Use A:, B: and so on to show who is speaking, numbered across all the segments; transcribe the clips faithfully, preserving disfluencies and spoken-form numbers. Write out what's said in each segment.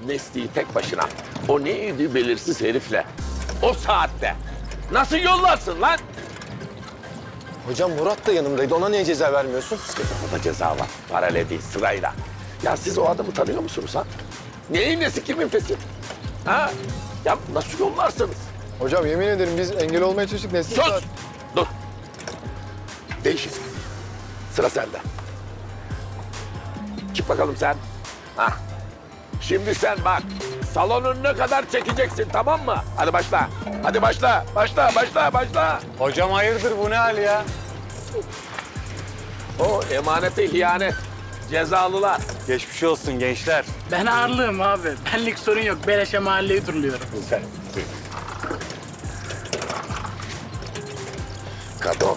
A: Nesli'yi tek başına o neydi belirsiz herifle o saatte nasıl yollarsın lan?
B: Hocam Murat da yanımdaydı. Ona niye ceza vermiyorsun?
A: Ona ceza var. Paralel değil, sırayla. Ya siz o adamı tanıyor musunuz ha? Neyin nesi kimin fesi? Ha? Ya nasıl yollarsınız?
C: Hocam yemin ederim biz engel olmaya çalıştık. Nesli
A: Sus!
C: saat-
A: Dur. Değişin. Sıra sende. Çık bakalım sen. Hah. Şimdi sen bak. Salonun ne kadar çekeceksin, tamam mı? Hadi başla. Hadi başla. Başla, başla, başla.
D: Hocam hayırdır bu ne hal ya?
A: O emanete ihanet. Cezalılar.
D: Geçmiş olsun gençler.
E: Ben ağırlığım abi. Benlik sorun yok. Beleşe mahalleyi turluyorum.
A: Sen. Kato.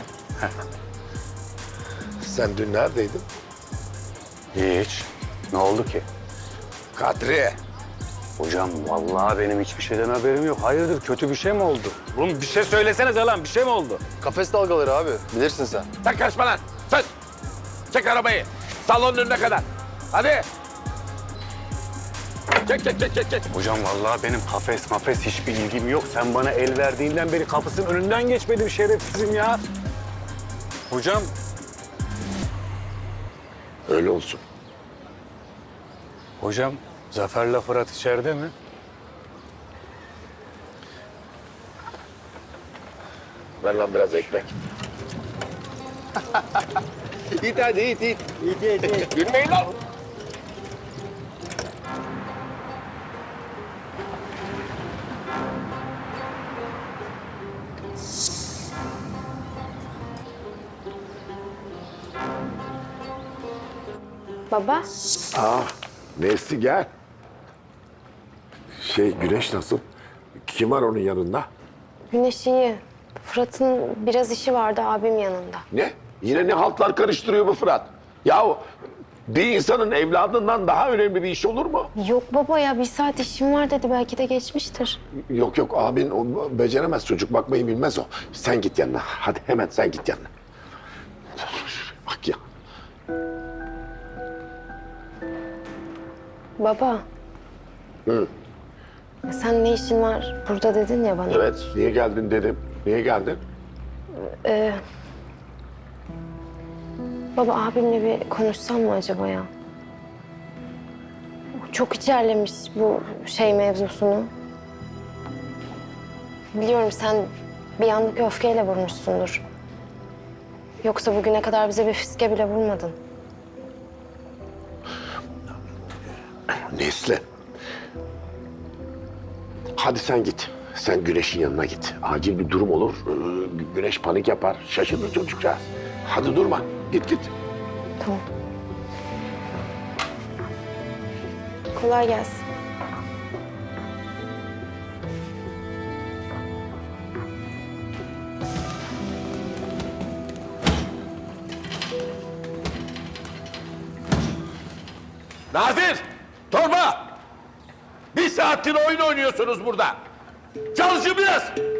A: Sen dün neredeydin?
D: Hiç. Ne oldu ki?
A: Kadri.
D: Hocam vallahi benim hiçbir şeyden haberim yok. Hayırdır kötü bir şey mi oldu? Oğlum bir şey söylesenize lan bir şey mi oldu?
C: Kafes dalgaları abi. Bilirsin sen.
A: Sen kaçma lan. Sen. Çek arabayı. Salonun önüne kadar. Hadi. Çek, çek, çek, çek, çek.
D: Hocam vallahi benim kafes mafes hiçbir ilgim yok. Sen bana el verdiğinden beri kapısının önünden geçmedim şerefsizim ya. Hocam
A: Öyle olsun.
D: Hocam Zafer'le Fırat içeride mi?
A: Ver lan biraz ekmek.
B: İt hadi it it. İt it it.
A: Gülmeyin lan.
F: Baba,
A: Aa, Nesli gel. Şey, Güneş nasıl? Kim var onun yanında?
F: Güneş iyi. Fırat'ın biraz işi vardı abim yanında.
A: Ne? Yine ne haltlar karıştırıyor bu Fırat? Yahu bir insanın evladından daha önemli bir iş olur mu?
F: Yok baba ya bir saat işim var dedi belki de geçmiştir.
A: Yok yok abin o beceremez çocuk bakmayı bilmez o. Sen git yanına. Hadi hemen sen git yanına. Bak ya.
F: Baba.
A: Hı.
F: Sen ne işin var burada dedin ya bana.
A: Evet niye geldin dedim. Niye geldin?
F: Ee, baba abimle bir konuşsam mı acaba ya? Çok içerlemiş bu şey mevzusunu. Biliyorum sen bir anlık öfkeyle vurmuşsundur. Yoksa bugüne kadar bize bir fiske bile vurmadın.
A: Nesli. Hadi sen git. Sen Güneş'in yanına git. Acil bir durum olur. Ee, Güneş panik yapar. Şaşırır çocukcağız. Hadi durma. Git git.
F: Tamam. Kolay gelsin.
A: Nadir! Torba! Bir saattir oyun oynuyorsunuz burada. Çalışın biraz.